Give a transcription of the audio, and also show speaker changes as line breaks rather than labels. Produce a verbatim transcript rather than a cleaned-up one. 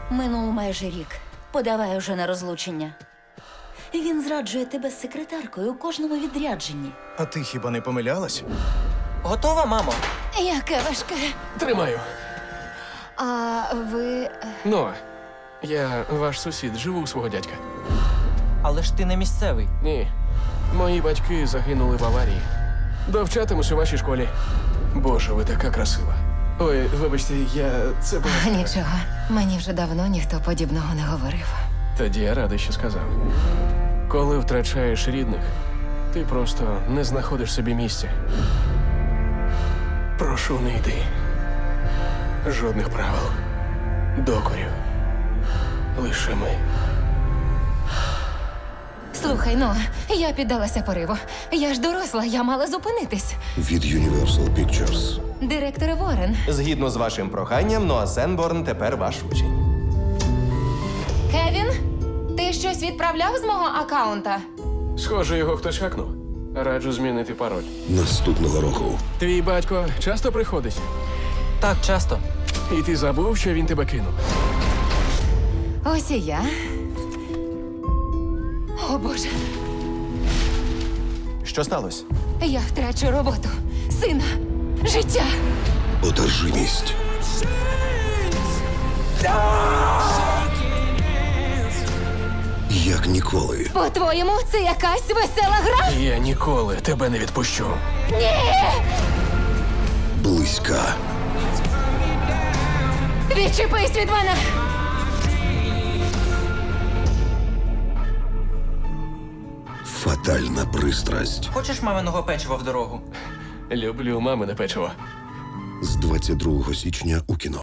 Минув майже рік. Подавай уже на розлучення. Він зраджує тебе з секретаркою у кожному відрядженні.
А ти хіба не помилялась?
Готова, мамо?
Яке важке.
Тримаю.
А ви...
Ну, я ваш сусід, живу у свого дядька.
Але ж ти не місцевий.
Ні. Мої батьки загинули в аварії. Довчатимусь у вашій школі. Боже, ви така красива. Ой, вибачте, я... це було...
Нічого, мені вже давно ніхто подібного не говорив.
Тоді я радий, що сказав. Коли втрачаєш рідних, ти просто не знаходиш собі місця. Прошу, не йди. Жодних правил. Докорів. Лише ми.
Слухай, ну, я піддалася пориву. Я ж доросла, я мала зупинитись.
Від Universal Pictures.
Директор Ворен.
Згідно з вашим проханням, Ноа Сенборн тепер ваш учень.
Кевін, ти щось відправляв з мого акаунта?
Схоже, його хтось хакнув. Раджу змінити пароль.
Наступного року.
Твій батько часто приходить?
Так, часто.
І ти забув, що він тебе кинув?
Ось і я. О, Боже,
Що сталося?
я втрачу роботу, сина, життя.
Одержимість. Як ніколи.
По-твоєму, це якась весела гра?
Я ніколи тебе не відпущу.
Близька.
Відчепись від мене!
Фатальна пристрасть.
Хочеш маминого печива в дорогу?
Люблю мамине печиво.
З двадцять другого січня у кіно.